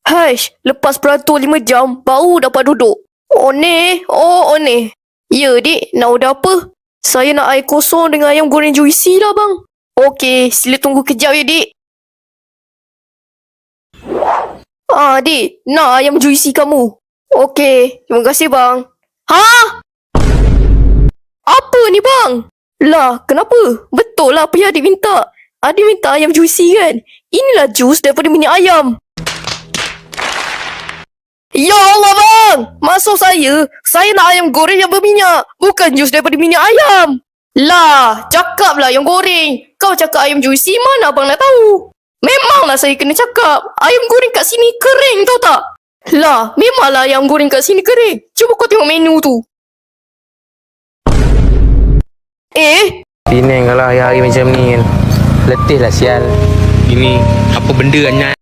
Haish, lepas beratur 5 jam, baru dapat duduk. Oh ni. Ya, dik, nak order apa? Saya nak air kosong dengan ayam goreng juicy lah, bang. Okey, sila tunggu kejap ya, dik. Dik, nak ayam juicy kamu. Okey, terima kasih, bang. Ha? Apa ni, bang? Lah, kenapa? Betul lah apa yang adik minta. Adik minta ayam juicy kan? Inilah jus daripada minyak ayam. Ya Allah, bang! Maksud saya nak ayam goreng yang berminyak. Bukan jus daripada minyak ayam. Lah, cakaplah ayam goreng. Kau cakap ayam juicy, mana abang nak tahu? Memanglah saya kena cakap. Ayam goreng kat sini kering, tahu tak? Lah, memanglah ayam goreng kat sini kering. Cuba kau tengok menu tu. Penang kalau hari-hari macam ni kan. Letih lah sial. Ini apa benda Anyat?